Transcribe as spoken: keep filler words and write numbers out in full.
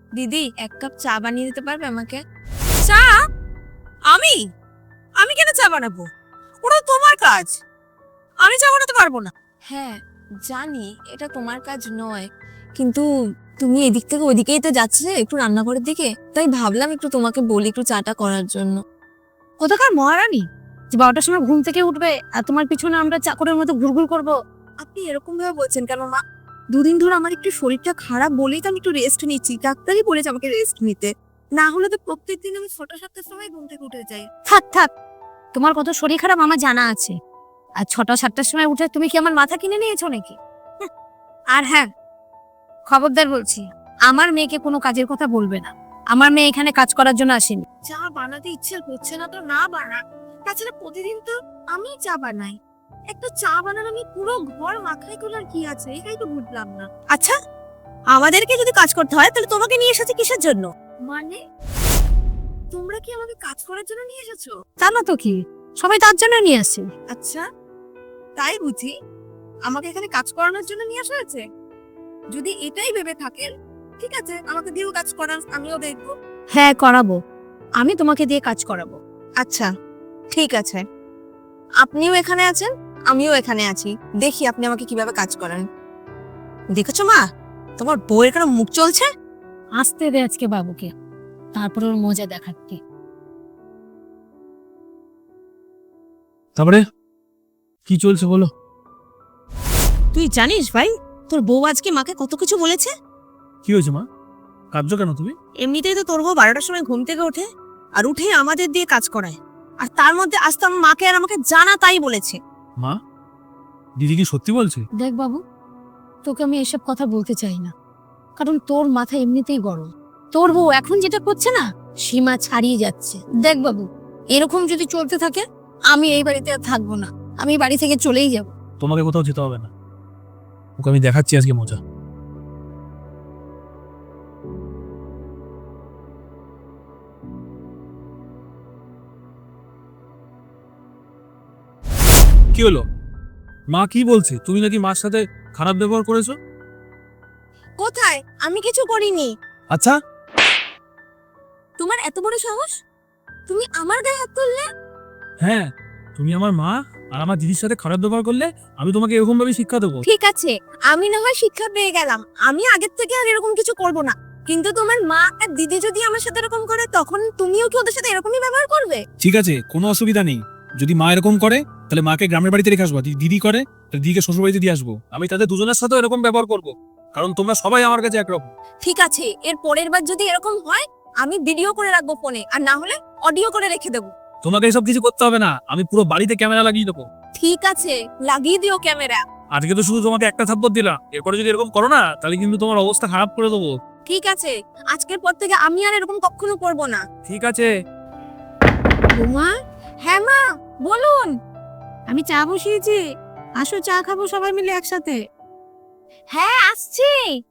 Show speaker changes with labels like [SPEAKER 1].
[SPEAKER 1] দিদি এক কাপ চা বানিয়ে দিতে পারবে আমাকে?
[SPEAKER 2] চা? আমি আমি কেন চা বানাবো? ওটা তো তোমার কাজ। আমি চা বানাতে পারবো না।
[SPEAKER 1] হ্যাঁ জানি এটা তোমার কাজ নয়, কিন্তু তুমি এদিক থেকে ওদিকেই তো যাচ্ছে একটু রান্নাঘরের দিকে, তাই ভাবলাম একটু তোমাকে বলি একটু চাটা করার জন্য।
[SPEAKER 3] কোথাকার মহারানী যে বারোটার সময় ঘুম থেকে উঠবে আর তোমার পিছনে আমরা চাকরের মতো ঘুরঘুর করবো?
[SPEAKER 1] আপনি এরকম ভাবে বলছেন কেন মা? দুদিন ধরে আমার একটু শরীরটা খারাপ বলেই তো আমি একটু রেস্ট নিচ্ছি, ডাক্তারই বলেছে আমাকে রেস্ট নিতে, না হলে তো প্রত্যেকদিন আমি ছটা সাতটার সময় ঘুম থেকে উঠে যাই।
[SPEAKER 3] থাক থাক, তোমার কত শরীর খারাপ আমার জানা আছে। আর ছটা সাতটার সময় উঠে তুমি কি আমার মাথা কিনে নিয়েছো নাকি? হুঁ। আর হ্যাঁ, খবরদার বলছি, আমার মেয়েকে কোনো কাজের কথা বলবে না। আমার মেয়ে এখানে কাজ করার জন্য আসেনি।
[SPEAKER 1] চা বানাতে ইচ্ছে করছে না তো না বানা, তাছাড়া প্রতিদিন তো আমি চা বানাই। একটা চা বানানো আমি পুরো ঘর মাখাই তোলার কি আছে, এটাই তো বুঝলাম না।
[SPEAKER 2] আচ্ছা, আমাদেরকে যদি কাজ করতে হয় তাহলে তোমাকে নিয়ে এসেছে কিসের জন্য?
[SPEAKER 1] মানে তোমরা কি আমাকে কাজ করার জন্য নিয়ে এসেছো?
[SPEAKER 3] তা না তো কি, সবাই তার জন্য নিয়ে আসছে।
[SPEAKER 1] আচ্ছা তাই বুঝি আমাকে এখানে কাজ করানোর জন্য নিয়ে আসা হয়েছে? যদি এটাই ভেবে থাকেন ঠিক আছে, আমাকে দিয়েও কাজ করান, আমিও দেখবো।
[SPEAKER 3] হ্যাঁ করাবো, আমি তোমাকে দিয়ে কাজ করাবো।
[SPEAKER 1] আচ্ছা ঠিক আছে, আপনিও এখানে আছেন আমিও এখানে আছি, দেখি আপনি আমাকে কিভাবে কাজ করান।
[SPEAKER 2] দেখেছো মা, তোমার বউয়ের কেন মুখ চলছে?
[SPEAKER 3] আসতে দে আজকে বাবুকে, তারপর ওর মজা দেখাচ্ছি।
[SPEAKER 4] তারপরে কি চলছে বলো?
[SPEAKER 2] তুই জানিস ভাই, তোর বউ আজকে মাকে কত কিছু বলেছে।
[SPEAKER 4] কি হয়েছে মা, কাঁদছো কেন তুমি?
[SPEAKER 2] এমনিতেই তো তোর বউ বারোটার সময় ঘুম থেকে ওঠে, আর উঠে আমাদের দিয়ে কাজ করায়, আর তার মধ্যে আজ তো আমার মাকে আর আমাকে জানা তাই বলেছে।
[SPEAKER 4] মা, দিদি কি সত্যি বলছে?
[SPEAKER 3] দেখ বাবু, তোকে আমি এসব কথা বলতে চাই না, কারণ তোর মাথা এমনিতেই গরম। তোর বউ এখন যেটা করছে না, সীমা ছাড়িয়ে যাচ্ছে। দেখ বাবু, এরকম যদি চলতে থাকে আমি এই বাড়িতে আর থাকবো না, আমি এই বাড়ি থেকে চলেই যাব।
[SPEAKER 4] তোমাকে কোথাও যেতে হবে না, ওকে আমি দেখাচ্ছি আজকে মজা। কি হলো মা, কি বলছে? তুমি নাকি মার সাথে খারাপ ব্যবহার করেছো?
[SPEAKER 1] কোথায়? আমি কিছু করিনি।
[SPEAKER 4] আচ্ছা,
[SPEAKER 1] তোমার এত বড় সাহস, তুমি আমার গায়ে হাত তুললে?
[SPEAKER 4] হ্যাঁ, তুমি আমার মা আর আমার দিদির সাথে খারাপ ব্যবহার করলে আমি তোমাকে এরকম ভাবে শিক্ষা দেবো?
[SPEAKER 1] ঠিক আছে, আমি না হয় শিক্ষা পেয়ে গেলাম, আমি আগের থেকে আর এরকম কিছু করব না, কিন্তু তোমার মা আর দিদি যদি আমার সাথে এরকম করে তখন তুমিও কি ওদের সাথে এরকমই ব্যবহার করবে?
[SPEAKER 4] ঠিক আছে, কোনো অসুবিধা নেই। যদি মা এরকম করে তাহলে মাকে গ্রামের বাড়িতে রেখে আসবো, যদি দিদি করে তাহলে দিদিকে শ্বশুর বাড়িতে দিয়ে আসবো। আমি তাদের দুজনের সাথে এরকম ব্যবহার করব, কারণ তোমরা সবাই আমার কাছে একরকম।
[SPEAKER 1] ঠিক আছে, এর পরের বার যদি এরকম হয় আমি ভিডিও করে রাখবো ফোনে, আর না হলে অডিও করে রেখে দেবো।
[SPEAKER 4] তোমাকে এসব কিছু করতে হবে না, আমি পুরো বাড়িতে ক্যামেরা লাগিয়ে দেবো।
[SPEAKER 1] ঠিক আছে, লাগিয়ে দিও ক্যামেরা।
[SPEAKER 4] আজকে তো শুধু তোমাকে একটা থাপ্পড় দিলাম, এরপরে যদি এরকম করো না তাহলে কিন্তু তোমার অবস্থা খারাপ করে দেবো।
[SPEAKER 1] ঠিক আছে, আজকের পর থেকে আমি আর এরকম কখনো করব না।
[SPEAKER 4] ঠিক আছে।
[SPEAKER 1] মা, হ্যাঁ মা বলুন।
[SPEAKER 3] আমি চা বসিয়েছি, আসো চা খাবো সবাই মিলে একসাথে।
[SPEAKER 1] হ্যাঁ আসছি।